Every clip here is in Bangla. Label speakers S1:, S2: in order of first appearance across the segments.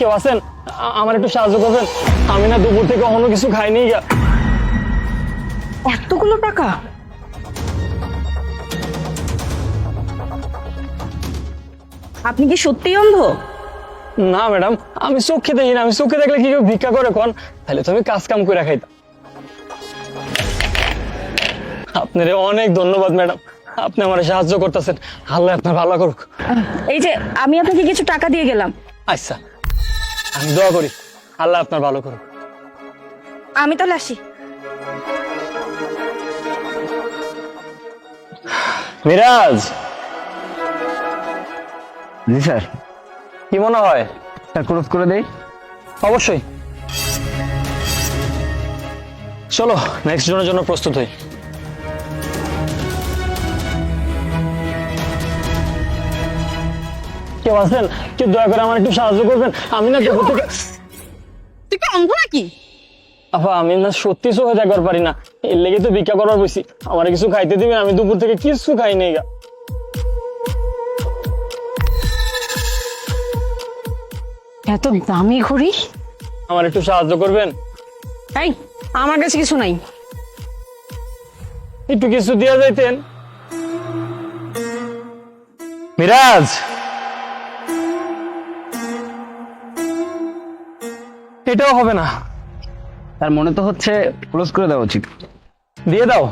S1: কেউ আছেন? আমার একটু সাহায্য করবেন, আমি না দুপুর থেকে অন্য কিছু খাইনি।
S2: এতগুলো টাকা? আপনি কি সত্যিই অন্ধ?
S1: না ম্যাডাম, আমি চোখে দেখি না। আমি চোখে দেখলে কি কেউ ভিক্ষা করে কোন? তাহলে তো আমি কাজ কাম করে খাইতাম। আপনার অনেক ধন্যবাদ ম্যাডাম, আপনি আমার সাহায্য করতেছেন। আল্লাহ আপনার ভালো করুক।
S2: এই যে আমি আপনাকে কিছু টাকা দিয়ে গেলাম।
S1: আচ্ছা, আমি দোয়া করি আল্লাহ আপনার ভালো করুক।
S2: আমি তাহলে আসি।
S1: মিরাজ।
S3: জি স্যার।
S1: কি মনে হয়?
S3: স্যার ক্লোজ করে দেই?
S1: অবশ্যই। চলো নেক্সট জনের জন্য প্রস্তুত হই। কেউ আছেন? কেউ দয়া করে আমার একটু সাহায্য করবেন, আমি না দুপুর থেকে।
S2: তুই কি অন্ধ নাকি?
S1: আপা আমি না সত্যি চোখে দেখবার পারি না, এর লেগে তো ভিক্ষা করবার বসি। আমার কিছু খাইতে দিবেন? আমি দুপুর থেকে কিছু খাই নাই গা।
S2: এত দামি ঘড়ি?
S1: আমার একটু সাহায্য করবেন?
S2: এই, আমার কাছে কিছু নাই।
S1: একটু কিছু দিয়ে যাইতেন। মিরাজ, এটাও হবে না।
S3: তার মনে তো হচ্ছে ক্লোজ করে দেওয়া উচিত।
S1: দিয়ে দাও।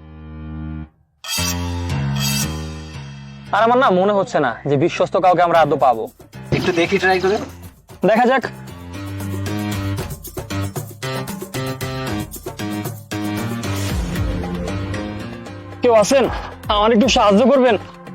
S1: আর আমার না মনে হচ্ছে না যে বিশ্বস্ত কাউকে আমরা আদৌ পাবো।
S3: একটু দেখি, ট্রাই করে
S1: দেখা যাক। কেউ আছেন? আমার একটু সাহায্য করবেন?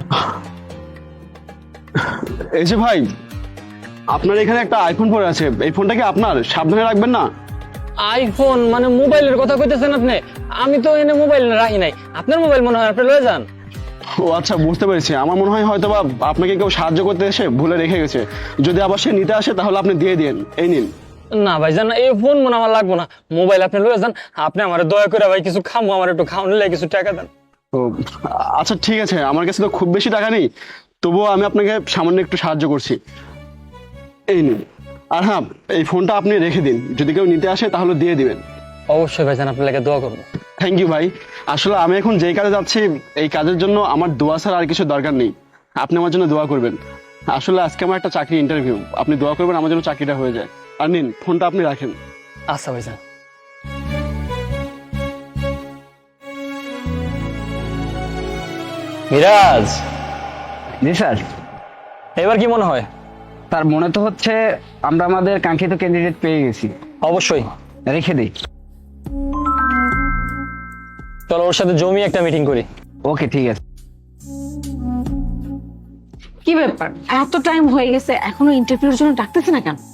S4: এই যে ভাই, আপনার এখানে একটা আইফোন পড়ে আছে, এই ফোনটা কি আপনার? সাবধানে রাখবেন না।
S1: আইফোন মানে মোবাইলের কথা কইতেছেন আপনি? আমি তো এনে মোবাইল রাখি নাই। আপনার মোবাইল মনে হয়, আপনি লয়ে যান।
S4: ও আচ্ছা, বুঝতে পেরেছি। আমার মনে হয় হয়তো বা আপনাকে কেউ সাহায্য করতে এসে ভুলে রেখে গেছে। যদি আবার সে নিতে আসে তাহলে আপনি দিয়ে দিন। এই নিন।
S1: না ভাইজান, এই ফোন মনে আমার লাগবো না। মোবাইল আপনি লয়ে যান। আপনি আমার দয়া করে ভাই কিছু খামো, আমার একটু খাওয়ানো লাগে কিছু টাকা দেন।
S4: তো আচ্ছা ঠিক আছে, আমার কাছে তো খুব বেশি টাকা নেই, তবুও আমি আপনাকে সামান্য একটু সাহায্য করছি। এই নিন। আর হ্যাঁ, এই ফোনটা আপনি রেখে দিন, যদি কেউ নিতে আসে তাহলে দিয়ে দিবেন।
S1: অবশ্যই ভাইজান, আপনার লাগে দোয়া করবো।
S4: থ্যাংক ইউ ভাই। আসলে আমি এখন যেই কাজে যাচ্ছি, এই কাজের জন্য আমার দোয়া ছাড়া আর কিছু দরকার নেই। আপনি আমার জন্য দোয়া করবেন। আসলে আজকে আমার একটা চাকরি ইন্টারভিউ, আপনি দোয়া করবেন আমার জন্য চাকরিটা হয়ে যায়। আর নিন, ফোনটা আপনি রাখেন।
S1: আচ্ছা ভাইজান। মিরাজ,
S3: জি স্যার।
S1: এবার কি মনে হয়?
S3: তার মনে তো হচ্ছে আমরা আমাদের কাঙ্ক্ষিত ক্যান্ডিডেট পেয়ে গেছি।
S1: অবশ্যই।
S3: রেখে দিই।
S1: চলো ওর সাথে জমি একটা মিটিং করি।
S3: ওকে, ঠিক আছে।
S2: কি ব্যাপার, এত টাইম হয়ে গেছে এখনো ইন্টারভিউর জন্য ডাকতেছে না কেন?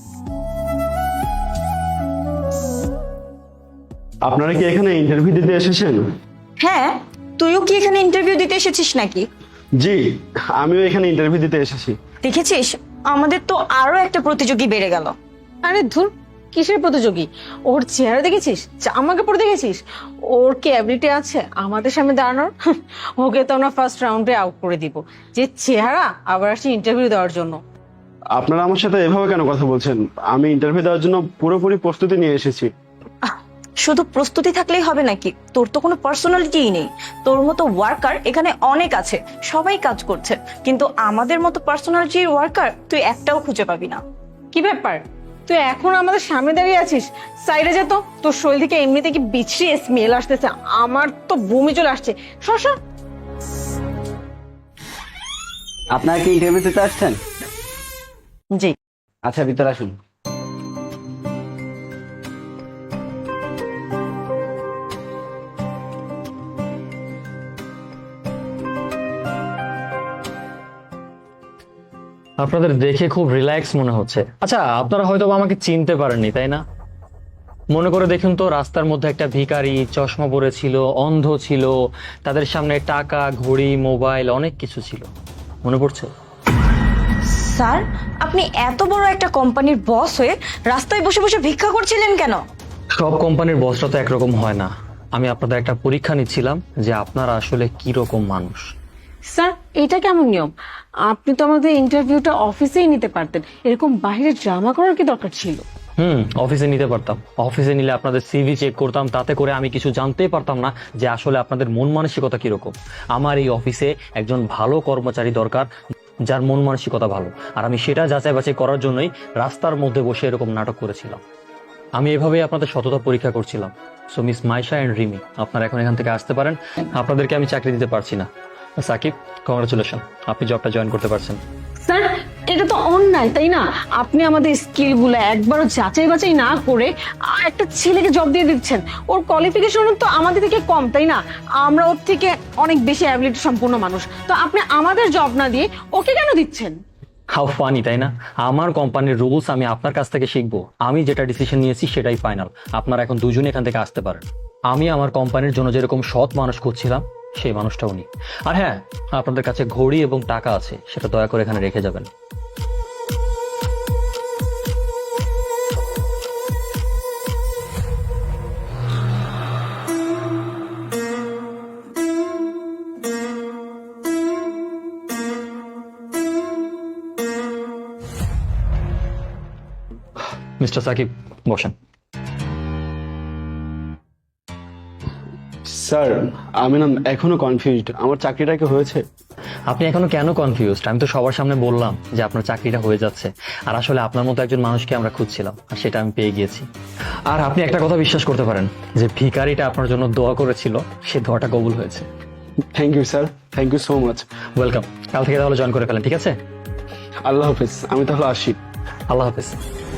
S4: আপনারা কি এখানে ইন্টারভিউ দিতে এসেছেন?
S5: হ্যাঁ, তুইও কি এখানে ইন্টারভিউ দিতে এসেছিস নাকি?
S4: জি, আমিও এখানে ইন্টারভিউ দিতে এসেছি।
S5: দেখেছিস, আমাদের তো আরো একটা প্রতিযোগী বেড়ে গেল।
S2: আরে ধুর, কিসের প্রতিযোগী? ওর চেহারা দেখেছিস? জামা কাপড় দেখেছিস? ওর কি অ্যাবিলিটি আছে আমাদের সামনে দাঁড়ানোর? ওকে তো আমরা ফার্স্ট রাউন্ডে আউট করে দিব। যে চেহারা, আবার আসছে ইন্টারভিউ দেওয়ার জন্য।
S4: আপনারা আমার সাথে এভাবে কেন কথা বলছেন? আমি ইন্টারভিউ দেওয়ার জন্য পুরোপুরি প্রস্তুতি নিয়ে এসেছি।
S5: শুধু প্রস্তুতি থাকলেই হবে নাকি? তোর তো কোনো পার্সোনালিটিই নেই। তোর মতো ওয়ার্কার এখানে অনেক আছে, সবাই কাজ করছে, কিন্তু আমাদের মতো পার্সোনালিটির ওয়ার্কার তুই একটাও খুঁজে পাবি না।
S2: কি ব্যাপার, তুই এখন আমাদের সামনে দাঁড়িয়ে আছিস? সাইডে যেত, তোর শরীর থেকে এমনিতে কি বিচ্ছিরি স্মেল আসতেছে, আমার তো বমি চলে আসছে। শশা।
S3: আপনারা কি ইন্টারভিউ দিতে আসছেন?
S5: জি।
S3: আচ্ছা, ভিতরে আসুন।
S1: আপনাদের দেখে খুব রিল্যাক্স মনে হচ্ছে। আচ্ছা, আপনারা হয়তো আমাকে চিনতে পারেননি, তাই না? মনে করে দেখুন তো, রাস্তার মধ্যে একটা ভিখারি চশমা পরে ছিল, অন্ধ ছিল, তাদের সামনে টাকা, ঘড়ি, মোবাইল অনেক কিছু ছিল। মনে পড়ছে?
S5: স্যার, আপনি এত বড় একটা কোম্পানির বস হয়ে রাস্তায় বসে বসে ভিক্ষা করছিলেন কেন?
S1: সব কোম্পানির বসরা তো একরকম হয় না। আমি আপনাদের একটা পরীক্ষা নিচ্ছিলাম যে আপনারা আসলে কি রকম মানুষ।
S2: স্যার এটা কেমন নিয়ম? আপনি তো আমাদের ইন্টারভিউটা অফিসেই নিতে পারতেন, এরকম বাইরে ড্রামা করার কি দরকার ছিল?
S1: অফিসে নিতে পারতাম। অফিসে নিলে আপনাদের সিভি চেক করতাম, তাতে করে আমি কিছু জানতেই পারতাম না যে আসলে আপনাদের মন মানসিকতা কিরকম। আমার এই অফিসে একজন ভালো কর্মচারী দরকার, যার মন মানসিকতা ভালো। আর আমি সেটা যাচাই বাছাই করার জন্যই রাস্তার মধ্যে বসে এরকম নাটক করেছিলাম। আমি এভাবেই আপনাদের সততা পরীক্ষা করছিলাম। So miss Maisha and Rimi, আপনারা এখন এখান থেকে আসতে পারেন। আপনাদেরকে আমি চাকরি দিতে পারছি না। সাকিব, কংগ্রাচুলেশন, আপনি জবটা জয়েন করতে পারছেন।
S2: স্যার এটা তো অন্যায়, তাই না? আপনি আমাদের স্কিলগুলো একবারও যাচাই বাছাই না করে একটা ছেলেকে জব দিয়ে দিচ্ছেন। ওর কোয়ালিফিকেশন তো আমাদের থেকে কম, তাই না? আমরা ওর থেকে অনেক বেশি অ্যাবিলিটি সম্পূর্ণ মানুষ, তো আপনি আমাদের জব না দিয়ে ওকে কেন দিচ্ছেন?
S1: হাউ ফানি, তাই না? আমার কোম্পানির রুলস আমি আপনার কাছ থেকে শিখবো। আমি যেটা ডিসিশন নিয়েছি সেটাই ফাইনাল। আপনারা এখন দুজনে এখান থেকে আসতে পারেন। আমি আমার কোম্পানির জন্য যেরকম সৎ মানুষ খুঁজছিলাম, সেই মানুষটা উনি। আর হ্যাঁ, আপনাদের কাছে ঘড়ি এবং টাকা আছে, সেটা দয়া করে এখানে রেখে যাবেন। মিস্টার সাকিব, বসেন।
S4: স্যার আমি না এখনো কনফিউজড, আমার চাকরিটা কি হয়েছে?
S1: আপনি এখনো কেন কনফিউজড? আমি তো সবার সামনে বললাম যে আপনার চাকরিটা হয়ে যাচ্ছে। আর আসলে আপনার মতো একজন মানুষকে আমরা খুঁজছিলাম, আর সেটা আমি পেয়ে গিয়েছি। আর আপনি একটা কথা বিশ্বাস করতে পারেন, যে ভিখারিটা আপনার জন্য দোয়া করেছিল, সে দোয়াটা কবুল হয়েছে।
S4: Thank you sir, thank you so much.
S1: Welcome. কাল থেকে তাহলে জয়েন করে ফেলেন, ঠিক আছে?
S4: আল্লাহ হাফেজ, আমি তাহলে আসি।
S1: আল্লাহ হাফেজ।